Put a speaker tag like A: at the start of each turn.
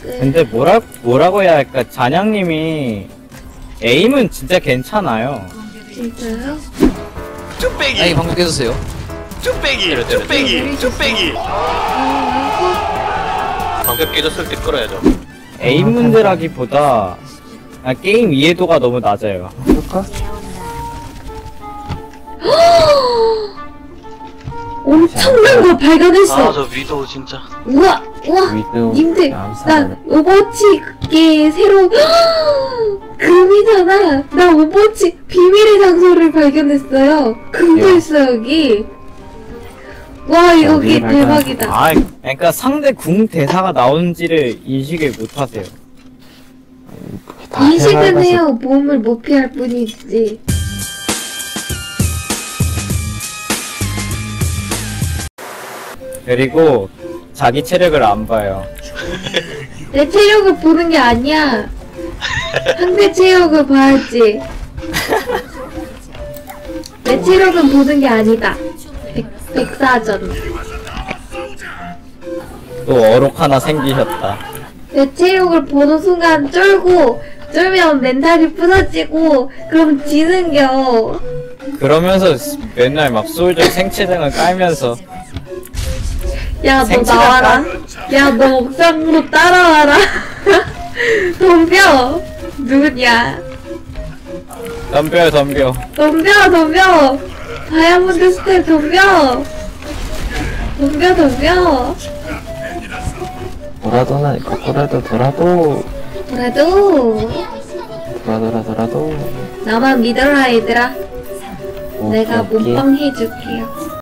A: 근데 뭐라고 해야 할까? 잔양님이 에임은 진짜 괜찮아요.
B: 진짜요?
C: 쭈빼기!
D: 아니 방금 깨졌어요.
C: 쭈빼기! 쭈빼기! 쭈빼기! 방금 깨졌을 때 끌어야죠.
A: 에임 문제라기보다 게임 이해도가 너무 낮아요.
E: 볼까?
B: 엄청난 거 발견했어.
C: 아, 저 위도우 진짜.
B: 우와, 우와.
E: 위도우
B: 님들, 나
E: 암살을.
B: 오버워치의 새로운 금이잖아. 나 오버워치 비밀의 장소를 발견했어요. 금도
E: 예.
B: 있어 여기. 와 여기
E: 어디를
B: 대박이다.
A: 아, 그러니까 상대 궁 대사가 나오는지를 인식을 못하세요.
E: 다
B: 인식은
E: 해봐서
B: 해요. 몸을 못 피할 뿐이지.
A: 그리고 자기 체력을 안 봐요.
B: 내 체력을 보는 게 아니야. 상대 체력을 봐야지. 내 체력은 보는 게 아니다. 백사전.
A: 또 어록 하나 생기셨다.
B: 내 체력을 보는 순간 쫄면 멘탈이 부서지고 그럼 지는겨.
A: 그러면서 맨날 막 솔저 생체장을 깔면서
B: 야 너
A: 생체장
B: 나와라. 야 너 옥상으로 따라와라. 덤벼. 누구냐.
A: 덤벼요 덤벼.
B: 덤벼. 다이아몬드 스텝 덤벼.
E: 돌아도나 거꾸라도 돌아도
B: 돌아도 나만 믿어라 얘들아.
E: 오,
B: 내가
E: 여기.
B: 몸빵 해줄게요.